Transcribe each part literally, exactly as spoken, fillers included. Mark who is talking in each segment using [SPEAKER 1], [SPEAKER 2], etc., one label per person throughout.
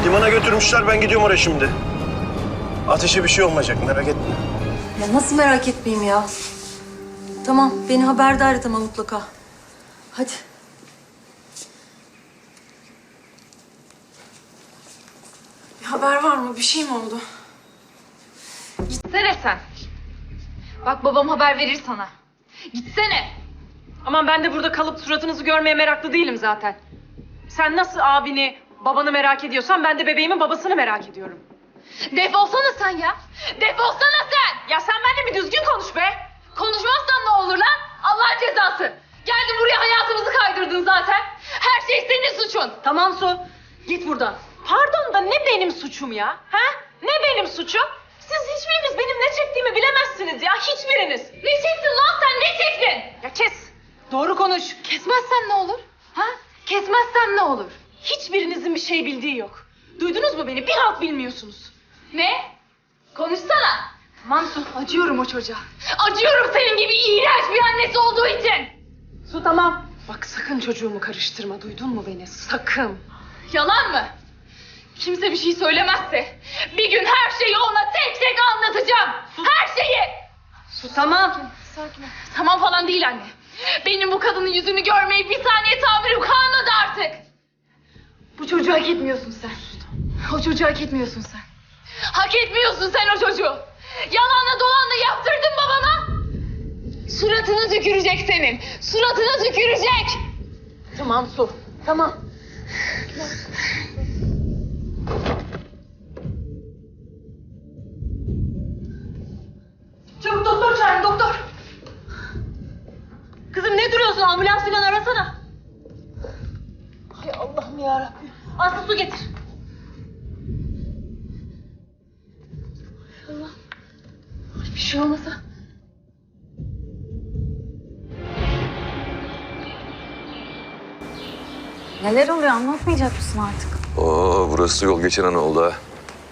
[SPEAKER 1] Limana götürmüşler, ben gidiyorum oraya şimdi. Ateşe bir şey olmayacak, merak etme.
[SPEAKER 2] Ya nasıl merak etmeyeyim ya? Tamam, beni haberdar et ama mutlaka. Hadi. Bir haber var mı? Bir şey mi oldu?
[SPEAKER 3] Gitsene sen. Bak babam haber verir sana. Gitsene.
[SPEAKER 4] Aman ben de burada kalıp suratınızı görmeye meraklı değilim zaten. Sen nasıl abini, babanı merak ediyorsan ben de bebeğimin babasını merak ediyorum.
[SPEAKER 3] Defolsana sen ya. Defolsana sen.
[SPEAKER 4] Ya sen benimle bir düzgün konuş be.
[SPEAKER 3] Konuşmazsan ne olur lan? Allah'ın cezası. Geldin buraya hayatımızı kaydırdın zaten. Her şey senin suçun.
[SPEAKER 4] Tamam Su, git buradan. Pardon da ne benim suçum ya? Ha? Ne benim suçum? Siz hiçbiriniz benim ne çektiğimi bilemezsiniz ya, hiçbiriniz.
[SPEAKER 3] Ne çektin lan sen, ne çektin?
[SPEAKER 4] Ya kes, doğru konuş.
[SPEAKER 3] Kesmezsen ne olur? Ha? Kesmezsen ne olur?
[SPEAKER 4] Hiçbirinizin bir şey bildiği yok. Duydunuz mu beni? Bir halt bilmiyorsunuz.
[SPEAKER 3] Ne? Konuşsana.
[SPEAKER 4] Aman Su, acıyorum o çocuğa.
[SPEAKER 3] Acıyorum senin gibi iğrenç bir annesi olduğu için.
[SPEAKER 4] Su tamam. Bak sakın çocuğumu karıştırma, duydun mu beni? Sakın.
[SPEAKER 3] Yalan mı? Kimse bir şey söylemezse bir gün her şeyi ona tek tek anlatacağım. Her şeyi.
[SPEAKER 4] Su tamam.
[SPEAKER 3] Sakin ol. Tamam falan değil anne. Benim bu kadının yüzünü görmeyi bir saniye tahammülüm kalmadı artık. Bu çocuğu hak etmiyorsun sen. O çocuğu hak etmiyorsun sen. Hak etmiyorsun sen o çocuğu. Yalanla dolanla yaptırdın babama. Suratını tükürecek senin. Suratını tükürecek.
[SPEAKER 4] Tamam Su, tamam. Çabuk doktor çağırın, doktor. Kızım ne duruyorsun? Ambulans falan arasana. Hay Allah'ım yarabbim. Aslı su getir. Allah. Bir şey olmasa.
[SPEAKER 2] Neler oluyor? Anlatmayacak mısın artık?
[SPEAKER 5] Oo, burası yol geçen an oldu ha.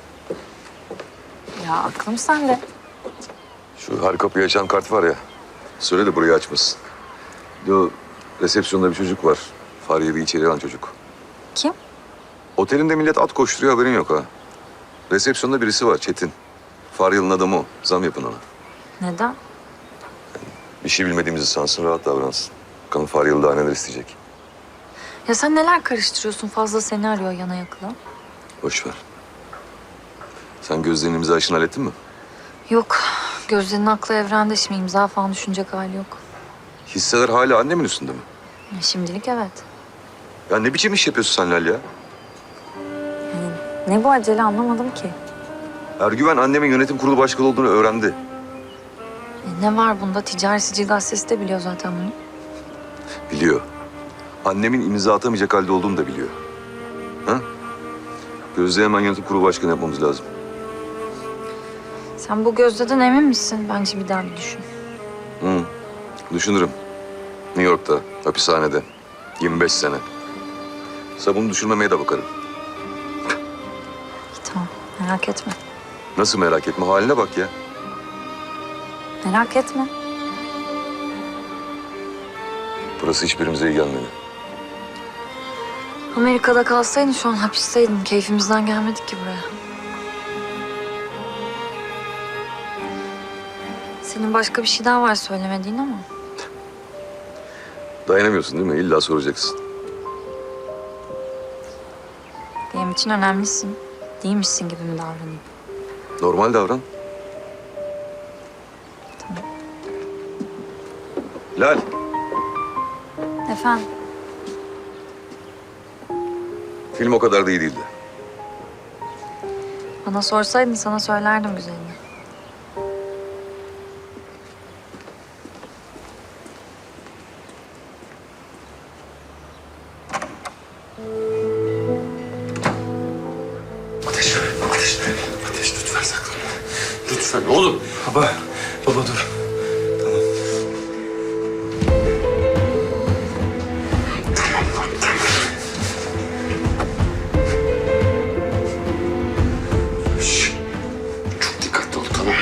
[SPEAKER 2] Ya aklım sende.
[SPEAKER 5] Şu her kapıyı açan kart var ya. Söyle de burayı açmasın. Bir de o resepsiyonda bir çocuk var. Fahriye bir içeri alan çocuk.
[SPEAKER 2] Kim?
[SPEAKER 5] Otelinde millet at koşturuyor, haberin yok ha. Resepsiyonda birisi var, Çetin. Fahriye'nin adamı o. Zam yapın ona.
[SPEAKER 2] Neden?
[SPEAKER 5] Bir şey bilmediğimizi sansın, rahat davransın. Bakalım Fahriye'li daha neler isteyecek.
[SPEAKER 2] Ya sen neler karıştırıyorsun? Fazla seni arıyor yana yakıla.
[SPEAKER 5] Boş ver. Sen Gözde'nin imza işini hallettin mi?
[SPEAKER 2] Yok. Gözlerinin aklı evrende, şimdi imza falan düşünecek hali yok.
[SPEAKER 5] Hisseler hala annemin üstünde mi?
[SPEAKER 2] Ya şimdilik evet.
[SPEAKER 5] Ya ne biçim iş yapıyorsun sen Lal ya?
[SPEAKER 2] Yani ne bu acele anlamadım ki.
[SPEAKER 5] Ergüven annemin yönetim kurulu başkanı olduğunu öğrendi.
[SPEAKER 2] E ne var bunda? Ticari Sicil Gazetesi de biliyor zaten bunu.
[SPEAKER 5] Biliyor. Annemin imza atamayacak halde olduğunu da biliyor. Ha? Gözde hemen yönetim kurulu başkanı yapmamız lazım.
[SPEAKER 2] Sen bu Gözde'den emin misin? Bence bir daha bir düşün.
[SPEAKER 5] Hı. Düşünürüm. New York'ta, hapishanede. yirmi beş sene. Sabunu düşürmemeye de bakarım.
[SPEAKER 2] İyi, tamam. Merak etme.
[SPEAKER 5] Nasıl merak etme? Haline bak ya.
[SPEAKER 2] Merak etme.
[SPEAKER 5] Burası hiçbirimize iyi gelmedi.
[SPEAKER 2] Amerika'da kalsaydın şu an hapisteydim. Keyfimizden gelmedik ki buraya. Senin başka bir şey daha var söylemediğin ama.
[SPEAKER 5] Dayanamıyorsun değil mi? İlla soracaksın.
[SPEAKER 2] Benim için önemlisin. Değilmişsin gibi mi davranayım?
[SPEAKER 5] Normal davran.
[SPEAKER 2] Tamam.
[SPEAKER 5] Lal.
[SPEAKER 2] Efendim?
[SPEAKER 5] Film o kadar da iyi değildi.
[SPEAKER 2] Bana sorsaydın sana söylerdim güzelini.
[SPEAKER 6] Ateş, ateş, ateş lütfen saklanma. Lütfen oğlum. Baba, baba dur. Tamam. Tamam lan, tamam. Şş, çok dikkatli ol, tamam.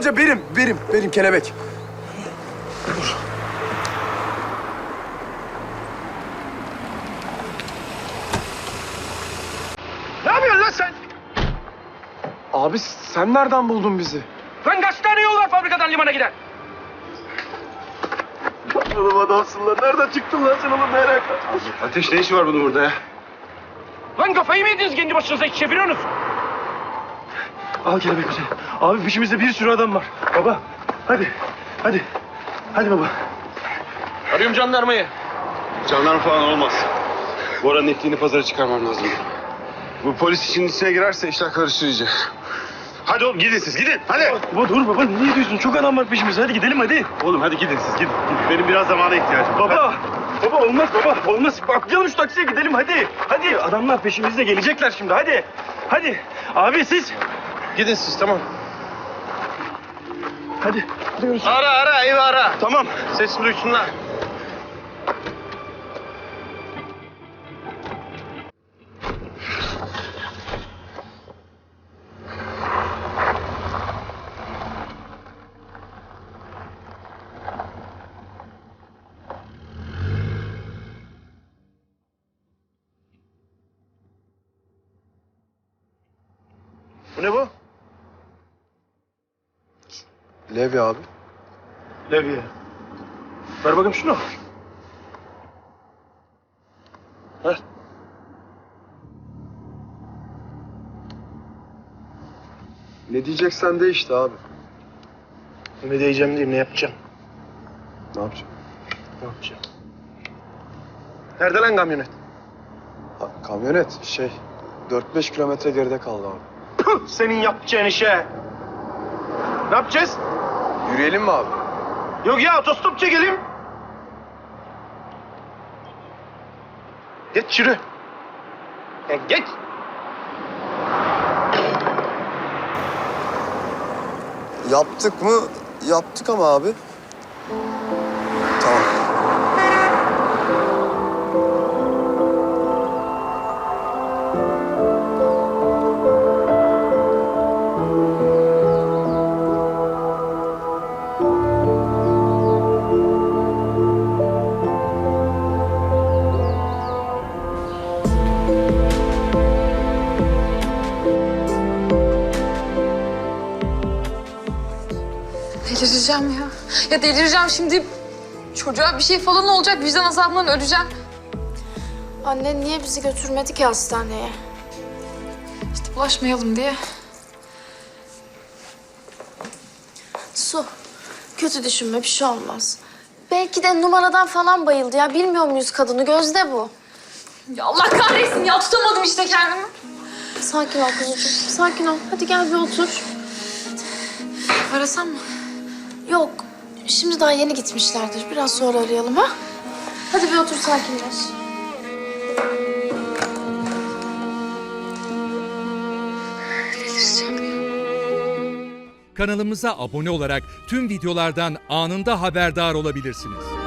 [SPEAKER 7] amca benim, benim, benim kelebek.
[SPEAKER 1] Ne yapıyorsun lan sen?
[SPEAKER 7] Abi sen nereden buldun bizi?
[SPEAKER 1] Lan kaç tane yol var fabrikadan limana giden? Oğlum adamsın lan. Nereden çıktın lan sen oğlum merak et.
[SPEAKER 6] Ateş ne işi var bunun burada ya?
[SPEAKER 1] Lan kafayı mı yediniz kendi başınıza hiç çeviriyorsunuz? Al kelebek bize. Abi peşimizde bir sürü adam var. Baba hadi. Hadi. Hadi baba. Arıyorum jandarmayı.
[SPEAKER 6] Jandarma falan olmaz. Bora'nın ettiğini pazara çıkarmam lazım. Bu polis işin içine girerse işler karışır iyice. Hadi oğlum gidin siz gidin hadi.
[SPEAKER 1] Baba dur baba niye diyorsun? Çok adam var peşimizde. Hadi gidelim hadi.
[SPEAKER 6] Oğlum hadi gidin siz gidin. gidin. Benim biraz zamana ihtiyacım var.
[SPEAKER 1] Baba. Baba olmaz baba. Olmaz. Atlayalım şu taksiye gidelim hadi. Hadi adamlar peşimizde gelecekler şimdi hadi. Hadi. Abi siz. Gidin siz tamam. Hadi. Gidiyoruz.
[SPEAKER 6] Ara ara evi ara.
[SPEAKER 1] Tamam.
[SPEAKER 6] Sesimi duysunlar.
[SPEAKER 1] Bu ne bu?
[SPEAKER 7] Levi abi.
[SPEAKER 1] Levye. Ver bakayım şunu. Ver.
[SPEAKER 7] Ne diyeceksen de işte abi.
[SPEAKER 1] Ne diyeceğim diyeyim ne yapacağım?
[SPEAKER 7] Ne yapacağım?
[SPEAKER 1] Ne yapacağım? Nerede lan kamyonet?
[SPEAKER 7] Ha, kamyonet şey dört beş kilometre geride kaldı abi.
[SPEAKER 1] Püh, senin yapacağın işe. Ne yapacağız?
[SPEAKER 7] Yürüyelim mi abi?
[SPEAKER 1] Yok ya otostop çekelim. Geç yürü. Ya geç.
[SPEAKER 7] Yaptık mı? Yaptık ama abi. Tamam.
[SPEAKER 3] Delireceğim ya. Ya delireceğim şimdi. Çocuğa bir şey falan olacak. Vicdan azabından öleceğim.
[SPEAKER 8] Annen niye bizi götürmedi ki hastaneye?
[SPEAKER 3] İşte bulaşmayalım diye.
[SPEAKER 8] Su, kötü düşünme bir şey olmaz. Belki de numaradan falan bayıldı ya. Bilmiyor muyuz kadını? Gözde bu.
[SPEAKER 3] Ya Allah kahretsin ya. Tutamadım işte kendimi.
[SPEAKER 8] Sakin ol kuzucuğum, sakin ol. Hadi gel bir otur.
[SPEAKER 3] Arasam mı?
[SPEAKER 8] Yok, şimdi daha yeni gitmişlerdir. Biraz sonra arayalım ha? Hadi bir otur sakinleş.
[SPEAKER 9] Kanalımıza abone olarak tüm videolardan anında haberdar olabilirsiniz.